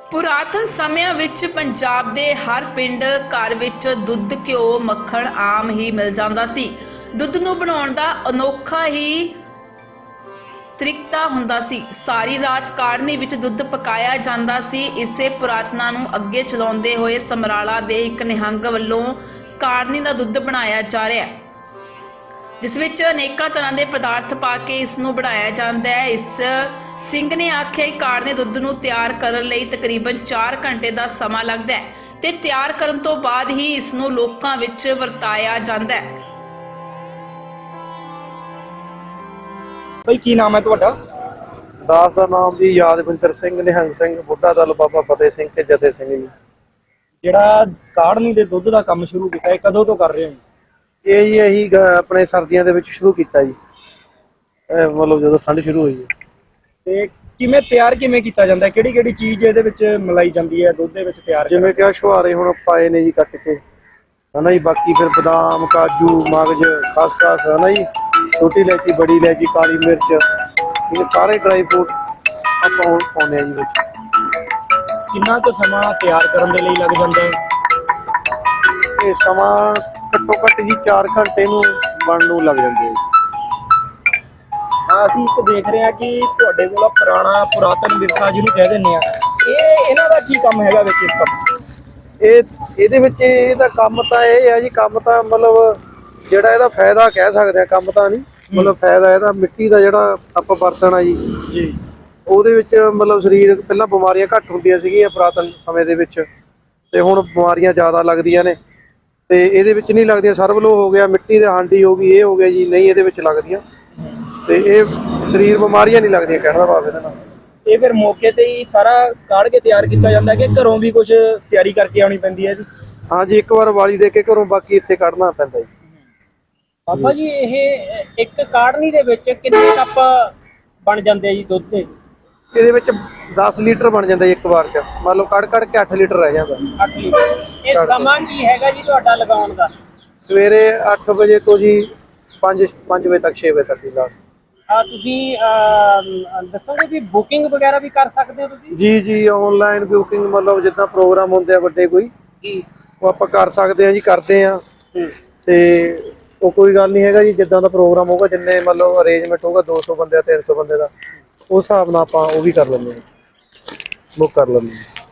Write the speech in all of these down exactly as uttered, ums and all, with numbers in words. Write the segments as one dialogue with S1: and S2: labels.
S1: ਪੁਰਾਤਨ ਸਮਿਆਂ ਵਿੱਚ ਪੰਜਾਬ ਦੇ ਹਰ ਪਿੰਡ ਘਰ ਵਿੱਚ ਦੁੱਧ, ਘਿਓ, ਮੱਖਣ ਆਮ ਹੀ ਮਿਲ ਜਾਂਦਾ ਸੀ। ਦੁੱਧ ਨੂੰ ਬਣਾਉਣ ਦਾ ਅਨੋਖਾ ਹੀ ਤਰੀਕਾ ਹੁੰਦਾ ਸੀ। ਸਾਰੀ ਰਾਤ ਕਾੜ੍ਹਨੀ ਵਿੱਚ ਦੁੱਧ ਪਕਾਇਆ ਜਾਂਦਾ ਸੀ। ਇਸੇ ਪੁਰਾਤਨਾ ਨੂੰ ਅੱਗੇ ਚਲਾਉਂਦੇ ਹੋਏ ਸਮਰਾਲਾ ਦੇ ਇੱਕ ਨਿਹੰਗ ਵੱਲੋਂ ਕਾੜ੍ਹਨੀ ਦਾ ਦੁੱਧ ਬਣਾਇਆ ਜਾ ਰਿਹਾ ਹੈ, ਜਿਸ ਵਿੱਚ ਅਨੇਕਾਂ ਤਰ੍ਹਾਂ ਦੇ ਪਦਾਰਥ ਪਾ ਕੇ ਇਸ ਨੂੰ ਬਣਾਇਆ ਜਾਂਦਾ ਹੈ। ਇਸ ਸਿੰਘ ਨੇ ਆਖਿਆ ਕਿ ਕਾੜ੍ਹਨੇ ਦੁੱਧ ਨੂੰ ਤਿਆਰ ਕਰਨ ਲਈ ਤਕਰੀਬਨ ਚਾਰ ਘੰਟੇ ਦਾ ਸਮਾਂ ਲੱਗਦਾ ਹੈ ਤੇ ਤਿਆਰ ਕਰਨ ਤੋਂ ਬਾਅਦ ਹੀ ਇਸ ਨੂੰ ਲੋਕਾਂ ਵਿੱਚ ਵਰਤਾਇਆ ਜਾਂਦਾ ਹੈ।
S2: ਭਾਈ ਕੀ ਨਾਮ ਹੈ ਤੁਹਾਡਾ?
S3: ਦਾਸ ਦਾ ਨਾਮ ਜੀ ਯਾਦਵਿੰਦਰ ਸਿੰਘ, ਨਿਹੰਗ ਸਿੰਘ, ਬੁੱਢਾ ਦਲ ਬਾਬਾ ਫਤਿਹ ਸਿੰਘ ਤੇ ਜਥੇ ਸਿੰਘ ਜੀ।
S2: ਜਿਹੜਾ ਕਾੜ੍ਹਨੀ ਦੇ ਦੁੱਧ ਦਾ ਕੰਮ ਸ਼ੁਰੂ ਕੀਤਾ, ਇਹ ਕਦੋਂ ਤੋਂ ਕਰ ਰਹੇ ਹੋ?
S3: ਇਹ ਜੀ ਅਸੀਂ ਗ- ਆਪਣੇ ਸਰਦੀਆਂ ਦੇ ਵਿੱਚ ਸ਼ੁਰੂ ਕੀਤਾ ਜੀ, ਇਹ ਮਤਲਬ ਜਦੋਂ ਠੰਡ ਸ਼ੁਰੂ ਹੋਈ ਹੈ।
S2: ਤੇ ਕਿਵੇਂ ਤਿਆਰ ਕਿਵੇਂ ਕੀਤਾ ਜਾਂਦਾ ਹੈ? ਕਿਹੜੀ ਕਿਹੜੀ ਚੀਜ਼ ਇਹਦੇ ਵਿੱਚ ਮਿਲਾਈ ਜਾਂਦੀ ਹੈ ਦੁੱਧ ਦੇ ਵਿੱਚ ਤਿਆਰ ਕਰਨ?
S3: ਜਿਵੇਂ ਕਿ ਆਹ ਛੁਹਾਰੇ ਹੁਣ ਪਾਏ ਨੇ ਜੀ ਕੱਟ ਕੇ, ਹਨਾ ਜੀ। ਬਾਕੀ ਫਿਰ ਬਦਾਮ, ਕਾਜੂ, ਮਗਜ਼, ਖਸਖਸ, ਹਨਾ ਜੀ, ਛੋਟੀ ਇਲਾਇਚੀ, ਬੜੀ ਇਲਾਇਚੀ, ਕਾਲੀ ਮਿਰਚ, ਇਹ ਸਾਰੇ ਡਰਾਈ ਫਰੂਟ ਆਪਾਂ ਹੁਣ ਪਾਉਂਦੇ ਆ ਜੀ ਵਿੱਚ।
S2: ਕਿੰਨਾ ਕੁ ਸਮਾਂ ਤਿਆਰ ਕਰਨ ਦੇ ਲਈ ਲੱਗ ਜਾਂਦਾ ਹੈ?
S3: ਇਹ ਸਮਾਂ ਘੱਟੋ ਘੱਟ ਜੀ ਚਾਰ ਘੰਟੇ ਨੂੰ ਬਣਨ ਨੂੰ ਲੱਗ ਜਾਂਦੇ ਆ ਜੀ।
S2: ਹਾਂ, ਅਸੀਂ ਇੱਕ ਦੇਖ ਰਹੇ ਹਾਂ ਕਿ ਤੁਹਾਡੇ ਕੋਲ ਪੁਰਾਣਾ ਪੁਰਾਤਨ ਵਿਰਸਾ ਜਿਹਨੂੰ ਕਹਿ ਦਿੰਦੇ ਆ, ਇਹ ਇਹਨਾਂ ਦਾ ਕੀ ਕੰਮ ਹੈਗਾ ਵਿੱਚ ਇਸ ਕੰਮ?
S3: ਇਹ ਇਹਦੇ ਵਿੱਚ ਇਹਦਾ ਕੰਮ ਤਾਂ ਇਹ ਹੈ ਜੀ, ਕੰਮ ਤਾਂ ਮਤਲਬ ਜਿਹੜਾ ਇਹਦਾ ਫਾਇਦਾ ਕਹਿ ਸਕਦੇ ਆ, ਕੰਮ ਤਾਂ ਨਹੀਂ ਮਤਲਬ ਫਾਇਦਾ ਇਹਦਾ ਮਿੱਟੀ ਦਾ ਜਿਹੜਾ ਆਪਾਂ ਵਰਤਣਾ ਜੀ
S2: ਜੀ
S3: ਉਹਦੇ ਵਿੱਚ ਮਤਲਬ ਸਰੀਰ ਪਹਿਲਾਂ ਬਿਮਾਰੀਆਂ ਘੱਟ ਹੁੰਦੀਆਂ ਸੀਗੀਆਂ ਪੁਰਾਤਨ ਸਮੇਂ ਦੇ ਵਿੱਚ, ਤੇ ਹੁਣ ਬਿਮਾਰੀਆਂ ਜ਼ਿਆਦਾ ਲੱਗਦੀਆਂ ਨੇ। ਤੇ ਇਹਦੇ ਵਿੱਚ ਨਹੀਂ ਲੱਗਦੀਆਂ, ਸਰਵਲੋ ਹੋ ਗਿਆ, ਮਿੱਟੀ ਦੇ ਹਾਂਡੀ ਹੋ ਗਈ, ਇਹ ਹੋ ਗਿਆ ਜੀ, ਨਹੀਂ ਇਹਦੇ ਵਿੱਚ ਲੱਗਦੀਆਂ। ਤੇ ਇਹ ਸਰੀਰ ਬਿਮਾਰੀਆਂ ਨਹੀਂ ਲੱਗਦੀਆਂ, ਕਹਿਣ ਦਾ ਭਾਵ ਇਹਦੇ ਨਾਲ।
S2: ਇਹ ਫਿਰ ਮੌਕੇ ਤੇ ਹੀ ਸਾਰਾ ਕਾੜ ਕੇ ਤਿਆਰ ਕੀਤਾ ਜਾਂਦਾ ਕਿ ਘਰੋਂ ਵੀ ਕੁਝ ਤਿਆਰੀ ਕਰਕੇ ਆਉਣੀ ਪੈਂਦੀ ਹੈ ਜੀ?
S3: ਹਾਂ ਜੀ, ਇੱਕ ਵਾਰ ਵਾਲੀ ਦੇ ਕੇ ਘਰੋਂ, ਬਾਕੀ ਇੱਥੇ ਕੱਢਣਾ ਪੈਂਦਾ ਜੀ।
S4: ਬਾਬਾ ਜੀ, ਇਹ ਇੱਕ ਕਾੜ੍ਹਨੀ ਦੇ ਵਿੱਚ ਕਿੰਨੇ ਕੱਪ ਬਣ ਜਾਂਦੇ ਆ ਜੀ ਦੁੱਧ ਦੇ?
S3: ਇਹਦੇ ਵਿੱਚ ਦਸ ਲੀਟਰ ਬਣ ਜਾਂਦਾ ਜੀ ਇੱਕ ਵਾਰ ਚ, ਮੰਨ ਲਓ ਕੱਢ ਕੱਢ ਕੇ ਅੱਠ ਲੀਟਰ ਰਹਿ ਜਾਂਦਾ।
S4: ਅੱਠ ਲੀਟਰ। ਇਹ ਸਮਾਂ ਕੀ ਹੈਗਾ ਜੀ ਤੁਹਾਡਾ ਲਗਾਉਣ ਦਾ?
S3: ਸਵੇਰੇ ਅੱਠ ਵਜੇ ਤੋਂ ਜੀ ਪੰਜ ਪੰਜ ਵਜੇ ਤੱਕ, ਛੇ ਵਜੇ ਤੱਕ ਜੀ ਲਾਸਟ।
S4: ਆ ਤੁਸੀਂ ਅਹ, ਦੱਸੋਗੇ ਵੀ ਬੁਕਿੰਗ ਵਗੈਰਾ ਵੀ ਕਰ ਸਕਦੇ ਹੋ ਤੁਸੀਂ?
S3: ਜੀ ਜੀ, ਆਨਲਾਈਨ ਬੁਕਿੰਗ, ਮਤਲਬ ਜਿੱਦਾਂ ਪ੍ਰੋਗਰਾਮ ਹੁੰਦੇ ਆ ਵੱਡੇ ਕੋਈ,
S4: ਜੀ
S3: ਉਹ ਆਪਾਂ ਕਰ ਸਕਦੇ ਆ ਜੀ, ਕਰਦੇ ਆ। ਤੇ ਉਹ ਕੋਈ ਗੱਲ ਨਹੀਂ ਹੈਗਾ ਜੀ, ਜਿੱਦਾਂ ਦਾ ਪ੍ਰੋਗਰਾਮ ਹੋਊਗਾ, ਜਿੰਨੇ ਮਤਲਬ ਅਰੇਂਜਮੈਂਟ ਹੋਊਗਾ, ਦੋ ਸੌ ਬੰਦੇ ਦਾ, ਤਿੰਨ ਸੌ ਬੰਦੇ ਦਾ, ਉਸ ਹਿਸਾਬ ਨਾਲ ਆਪਾਂ ਉਹ ਵੀ ਕਰ ਲੈਂਦੇ ਆ, ਬੁੱਕ ਕਰ ਲੈਂਦੇ ਆ।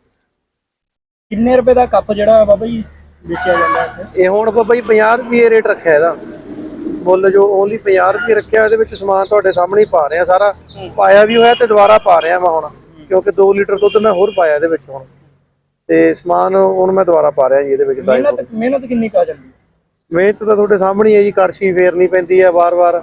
S2: ਕਿੰਨੇ ਰੁਪਏ ਦਾ ਕੱਪ ਜਿਹੜਾ ਬਾਬਾ ਜੀ ਵੇਚਿਆ ਜਾਂਦਾ ਹੈ?
S3: ਇਹ ਹੁਣ ਬਾਬਾ ਜੀ ਪੰਜਾਹ ਰੁਪਏ ਰੇਟ ਰੱਖਿਆ ਇਹਦਾ, ਮੁੱਲ ਜੋ ਓਨਲੀ ਪੰਜਾਹ ਰੁਪਏ ਰੱਖਿਆ। ਇਹਦੇ ਵਿੱਚ ਸਮਾਨ ਤੁਹਾਡੇ ਸਾਹਮਣੇ ਹੀ ਪਾ ਰਿਹਾ, ਸਾਰਾ ਪਾਇਆ ਵੀ ਹੋਇਆ ਤੇ ਦੁਬਾਰਾ ਪਾ ਰਿਹਾ ਮੈਂ ਹੁਣ, ਕਿਉਂਕਿ ਦੋ ਲੀਟਰ ਦੁੱਧ ਮੈਂ ਹੋਰ ਪਾਇਆ ਇਹਦੇ ਵਿੱਚ ਹੁਣ, ਤੇ ਸਮਾਨ ਹੁਣ ਮੈਂ ਦੁਬਾਰਾ ਪਾ ਰਿਹਾ ਜੀ ਇਹਦੇ ਵਿੱਚ।
S2: ਮਿਹਨਤ ਮਿਹਨਤ ਕਿੰਨੀ ਕੁ ਆ ਜਾਂਦੀ ਹੈ?
S3: ਮਿਹਨਤ ਤਾਂ ਤੁਹਾਡੇ ਸਾਹਮਣੇ ਹੀ ਹੈ ਜੀ, ਕੜਛੀ ਫੇਰਨੀ ਪੈਂਦੀ ਹੈ ਵਾਰ-ਵਾਰ,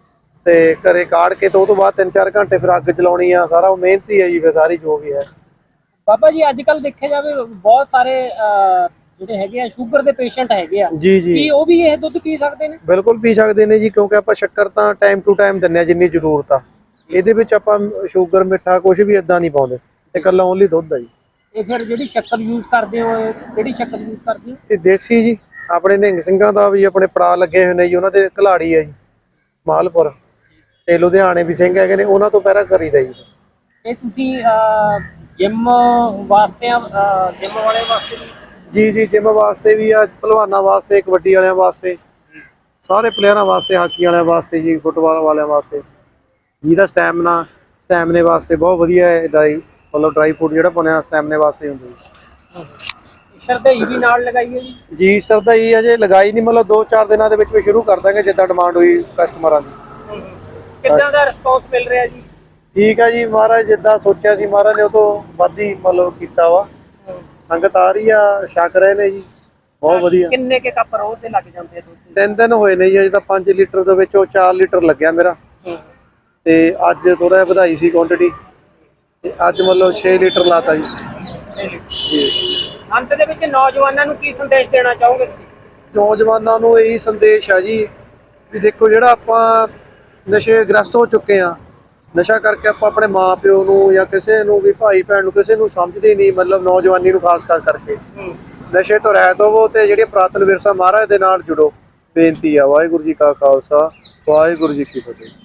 S3: ਤੇ ਘਰੇ ਕਾੜ ਕੇ ਤੇ ਉਹ ਤੋਂ ਬਾਅਦ ਤਿੰਨ ਚਾਰ ਘੰਟੇ ਫਿਰ ਅੱਗ ਚਲਾਉਣੀ ਆ, ਸਾਰਾ ਉਹ ਮਿਹਨਤ ਹੀ ਹੈ ਜੀ ਫਿਰ ਸਾਰੀ ਜੋ ਵੀ ਹੈ।
S4: ਬਾਬਾ ਜੀ, ਅੱਜ ਕੱਲ ਦੇਖਿਆ ਜਾਵੇ ਬਹੁਤ ਸਾਰੇ ਅਹ, ਜਿਹੜੇ ਹੈਗੇ ਆ ਸ਼ੂਗਰ ਦੇ ਪੇਸ਼ੈਂਟ ਹੈਗੇ ਆ,
S3: ਜੀ ਜੀ,
S4: ਕੀ ਉਹ ਵੀ ਇਹ ਦੁੱਧ ਪੀ ਸਕਦੇ ਨੇ?
S3: ਬਿਲਕੁਲ ਪੀ ਸਕਦੇ ਨੇ ਜੀ, ਕਿਉਂਕਿ ਆਪਾਂ ਸ਼ੱਕਰ ਤਾਂ ਟਾਈਮ ਟੂ ਟਾਈਮ ਦਿੰਦੇ ਆ ਜਿੰਨੀ ਜ਼ਰੂਰਤ ਆ। ਇਹਦੇ ਵਿੱਚ ਆਪਾਂ ਸ਼ੂਗਰ, ਮਿੱਠਾ ਕੁਝ ਵੀ ਇਦਾਂ ਨਹੀਂ ਪਾਉਂਦੇ, ਤੇ ਇਕੱਲਾ ਓਨਲੀ ਦੁੱਧ ਆ ਜੀ।
S4: ਇਹ ਫਿਰ ਜਿਹੜੀ ਸ਼ੱਕਰ ਯੂਜ਼ ਕਰਦੇ ਹੋ, ਇਹ ਕਿਹੜੀ ਸ਼ੱਕਰ ਯੂਜ਼ ਕਰਦੇ ਹੋ?
S3: ਤੇ ਦੇਸੀ ਜੀ, ਆਪਣੇ ਨਿਹੰਗ ਸਿੰਘਾਂ ਦਾ ਵੀ ਆਪਣੇ ਪੜਾ ਲੱਗੇ ਹੋਏ ਨੇ ਜੀ, ਉਹਨਾਂ ਦੇ ਘਲਾੜੀ ਹੈ ਜੀ ਮਾਲਪੁਰ, ਤੇ ਲੁਧਿਆਣੇ ਵੀ ਸਿੰਘ ਹੈਗੇ ਨੇ, ਉਹਨਾਂ ਤੋਂ ਪਹਿਰਾ ਕਰੀਦਾ ਜੀ।
S4: ਇਹ ਤੁਸੀਂ ਜਿਮ ਵਾਸਤੇ ਜਿਮ ਵਾਲੇ ਵਾਸਤੇ ਵੀ?
S3: ਜੀ ਜੀ, ਜਿਮ ਵਾਸਤੇ ਵੀ ਆ, ਭਲਵਾਨਾਂ ਵਾਸਤੇ, ਕਬੱਡੀ ਵਾਲਿਆਂ ਵਾਸਤੇ, ਸਾਰੇ ਪਲੇਅਰਾਂ ਵਾਸਤੇ, ਹਾਕੀ ਵਾਲਿਆਂ ਵਾਸਤੇ ਜੀ, ਫੁੱਟਬਾਲ ਵਾਲਿਆਂ ਵਾਸਤੇ, ਜਿਹਦਾ ਸਟੈਮਨਾ ਸਟੈਮਨੇ ਵਾਸਤੇ ਬਹੁਤ ਵਧੀਆ ਹੈ। ਡਰਾਈ ਮਤਲਬ ਡਰਾਈ ਫੂਡ ਜਿਹੜਾ ਬਣਿਆ ਸਟੈਮਨੇ ਵਾਸਤੇ ਹੁੰਦਾ ਜੀ।
S4: ਸ਼ਰਧਾਈ ਵੀ ਨਾਲ ਲਗਾਈ ਹੈ ਜੀ?
S3: ਜੀ ਸਰਦਾਈ ਅਜੇ ਲਗਾਈ ਨਹੀਂ, ਮਤਲਬ ਦੋ ਚਾਰ ਦਿਨਾਂ ਦੇ ਵਿੱਚ ਵੀ ਸ਼ੁਰੂ ਕਰ ਦਾਂਗੇ, ਜਿੱਦਾਂ ਡਿਮਾਂਡ ਹੋਈ ਕਸਟਮਰਾਂ ਦੀ।
S4: ਕਿੱਦਾਂ ਦਾ ਰਿਸਪੌਂਸ ਮਿਲ ਰਿਹਾ ਜੀ?
S3: ਠੀਕ ਆ ਜੀ, ਮਹਾਰਾਜ ਜਿੱਦਾਂ ਸੋਚਿਆ ਸੀ ਮਹਾਰਾਜ ਨੇ ਉਹ ਤੋਂ ਵੱਧ ਹੀ ਮਤਲਬ ਕੀਤਾ ਵਾ। ਸੰਗਤ ਆ ਰਹੀ ਆ, ਛਕ ਰਹੇ ਨੇ ਜੀ, ਬਹੁਤ ਵਧੀਆ।
S4: ਕਿੰਨੇ ਕੇ ਕੱਪ ਰੋਜ਼ ਦੇ ਲੱਗ ਜਾਂਦੇ ਆ ਦੁੱਧ ਦੇ?
S3: ਤਿੰਨ ਦਿਨ ਹੋਏ ਨੇ ਜੀ, ਅਜੇ ਤਾਂ ਪੰਜ ਲੀਟਰ ਦੇ ਵਿੱਚੋਂ ਚਾਰ ਲੀਟਰ ਲੱਗਿਆ ਮੇਰਾ, ਤੇ ਅੱਜ ਥੋੜਾ ਜਿਹਾ ਵਧਾਈ ਸੀ ਕੁਆਂਟੀਟੀ, ਤੇ ਅੱਜ ਮਤਲਬ ਛੇ ਲੀਟਰ ਲਾਤਾ ਜੀ। ਜੀ,
S4: ਅੰਤ ਦੇ ਵਿੱਚ ਨੌਜਵਾਨਾਂ ਨੂੰ ਕੀ ਸੰਦੇਸ਼ ਦੇਣਾ ਚਾਹੋਗੇ ਤੁਸੀਂ?
S3: ਨੌਜਵਾਨਾਂ ਨੂੰ ਇਹੀ ਸੰਦੇਸ਼ ਆ ਜੀ ਵੀ ਦੇਖੋ, ਜਿਹੜਾ ਆਪਾਂ ਨਸ਼ੇ ਗ੍ਰਸਤ ਹੋ ਚੁੱਕੇ ਆ, ਨਸ਼ਾ ਕਰਕੇ ਆਪਾਂ ਆਪਣੇ ਮਾਂ ਪਿਓ ਨੂੰ ਜਾਂ ਕਿਸੇ ਨੂੰ ਵੀ, ਭਾਈ ਭੈਣ ਨੂੰ, ਕਿਸੇ ਨੂੰ ਸਮਝਦੇ ਨਹੀਂ, ਮਤਲਬ ਨੌਜਵਾਨੀ ਨੂੰ ਖਾਸ ਕਰ ਕਰਕੇ ਨਸ਼ੇ ਤੋਂ ਰਹਿਤ ਹੋਵੋ, ਤੇ ਜਿਹੜੇ ਪੁਰਾਤਨ ਵਿਰਸਾ ਮਹਾਰਾਜ ਦੇ ਨਾਲ ਜੁੜੋ। ਬੇਨਤੀ ਆ। ਵਾਹਿਗੁਰੂ ਜੀ ਕਾ ਖਾਲਸਾ, ਵਾਹਿਗੁਰੂ ਜੀ ਕੀ ਫਤਿਹ।